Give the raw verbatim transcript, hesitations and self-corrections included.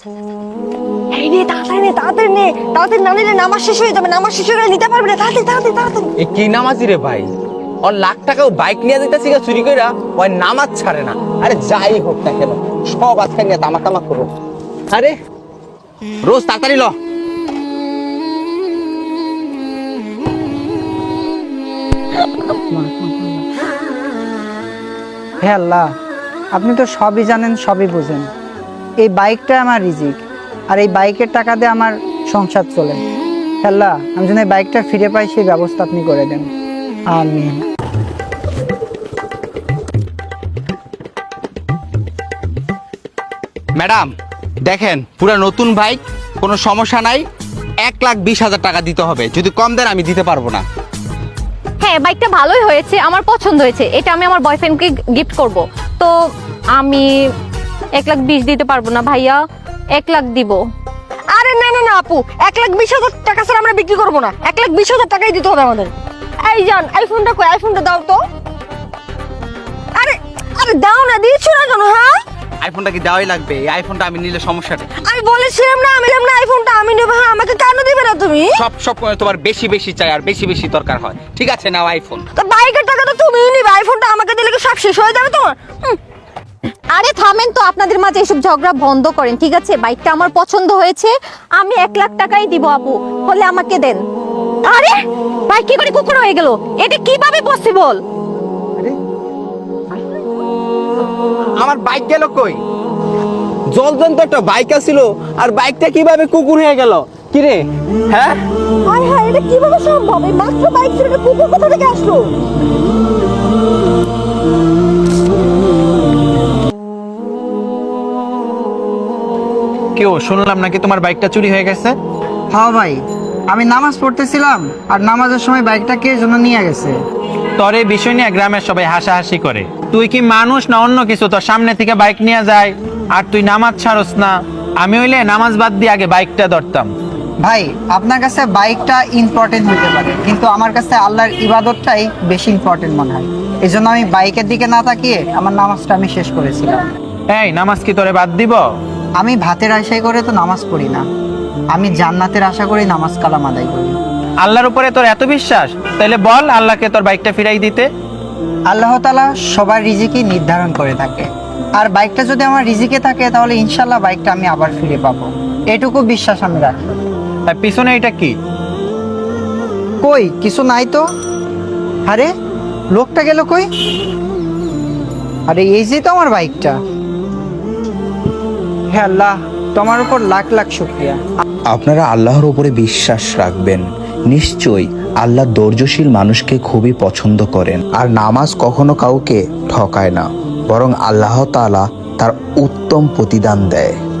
এই নে তাড়াতাড়ি নে তাড়াতাড়ি নে তাড়াতাড়ি না নিলে নামাজ শেষ হয়ে যাবে, নামাজ শেষ হয়ে নিতে পারবি না, তাড়াতাড়ি তাড়াতাড়ি তাড়াতাড়ি। এ কি নামাজি রে ভাই, ওর লাখ টাকাও বাইক নিয়ে যেতেছি চুরি কইরা, ওই নামাজ ছাড়ে না। আরে যাই হোক না কেন সব আজকে নিয়ে তামা তামা করো। আরে রোজ তাড়াতাড়ি ল। হে আল্লাহ, আপনি তো সবই জানেন, সবই বুঝেন। এই বাইকটা আমার রিজিক, আর এই বাইকের টাকা দিয়ে আমার সংসার চলে। হে আল্লাহ, আমি যেন এই বাইকটা ফিরে পাই সেই ব্যবস্থা আপনি করে দেন, আমিন। ম্যাডাম দেখেন, পুরা নতুন বাইক, কোনো সমস্যা নাই। এক লাখ বিশ হাজার টাকা দিতে হবে, যদি কম দেন আমি দিতে পারবো না। হ্যাঁ বাইকটা ভালোই হয়েছে, আমার পছন্দ হয়েছে, এটা আমি আমার বয়ফ্রেন্ডকে গিফট করব। তো আমি এক লাখ বিশ দিতে পারবো না ভাইয়া, এক লাখ দিব। আরে না না না আপু, এক লাখ বিশ হাজার টাকা ছাড়া আমরা বিক্রি করবো না, এক লাখ বিশ হাজার টাকাই দিতে হবে আমাদের। এই যান আইফোনটা কই, আইফোনটা দাও তো। আরে আরে দাও না, দিচ্ছ না কেন? হ্যাঁ আইফোনটা কি দেওয়াই লাগবে? এই আইফোনটা আমি নিলে সমস্যাটা? আমি বলেছিলাম না আমি না আইফোনটা আমি নেবো। হ্যাঁ আমাকে কেন দিবে না তুমি? সব সব তোমার বেশি বেশি চাই আর বেশি বেশি দরকার হয়। ঠিক আছে নাও আইফোন। তো বাইকের টাকা তো তুমিই নিবে, আইফোনটা আমাকে দিলে কি সব শেষ হয়ে যাবে তোমার? আরে থামেন তো, আপনাদের মাঝে এসব ঝগড়া বন্ধ করেন, ঠিক আছে? বাইকটা আমার পছন্দ হয়েছে, আমি এক লাখ টাকাই দিব আপু, হলে আমাকে দেন। আরে বাইক কি করে কুকুর হয়ে গেল, এটা কিভাবে পসিবল? আমার বাইক গেল কই? জলজন্ত একটা বাইক আছিল, আর বাইকটা কিভাবে কুকুর হয়ে গেল? কি রে? হ্যাঁ হায় হায়, এটা কিভাবে সম্ভব? এই মাত্র বাইক ছিল, এটা কুকুর কোথা থেকে আসলো? কেউ শুনলাম নাকি তোমার বাইকটা চুরি হয়ে গেছে? হ্যাঁ ভাই, আমি নামাজ পড়তেছিলাম, আর নামাজের সময় বাইকটা কে যেন নিয়ে গেছে। তোর এই বিষয় নিয়ে গ্রামের সবাই হাসাহাসি করে। তুই কি মানুষ না অন্য কিছু? তোর সামনে থেকে বাইক নিয়ে যায় আর তুই নামাজ ছাড়স না। আমি হইলে নামাজ বাদ দিয়ে আগে বাইকটা ধরতাম। ভাই আপনার কাছে বাইকটা ইম্পর্টেন্ট হতে পারে, কিন্তু আমার কাছে আল্লাহর ইবাদতটাই বেশি ইম্পর্টেন্ট মনে হয়। এই জন্য আমি বাইকের দিকে না তাকিয়ে আমার নামাজটা আমি শেষ করেছিলাম। এই নামাজ কি তোরে বাদ দিব? আমি ভাতের আশায় করে তো নামাজ পড়ি না, আমি জান্নাতের আশা করি নামাজ কালাম আদায় করি। আল্লাহর উপরে তোর এত বিশ্বাস, তাইলে বল আল্লাহকে তোর বাইকটা ফিরাই দিতে। আল্লাহ তাআলা সবার রিজিকই নির্ধারণ করে থাকে, আর বাইকটা যদি আমার রিজিকে থাকে তাহলে ইনশাল্লাহ বাইকটা আমি আবার ফিরে পাবো, এটুকু বিশ্বাস আমি রাখি। তার পিছনে এটা কি? কই কিছু নাই তো। আরে লোকটা গেল কই? আরে এই যে তো আমার বাইকটা। হে আল্লাহ, তোমার উপর লাখ লাখ শুকরিয়া। আপনারা আল্লাহর উপরে বিশ্বাস রাখবেন, নিশ্চয়ই আল্লাহ ধৈর্যশীল মানুষকে খুবই পছন্দ করেন। আর নামাজ কখনো কাউকে ঠকায় না, বরং আল্লাহ তাআলা তার উত্তম প্রতিদান দেয়।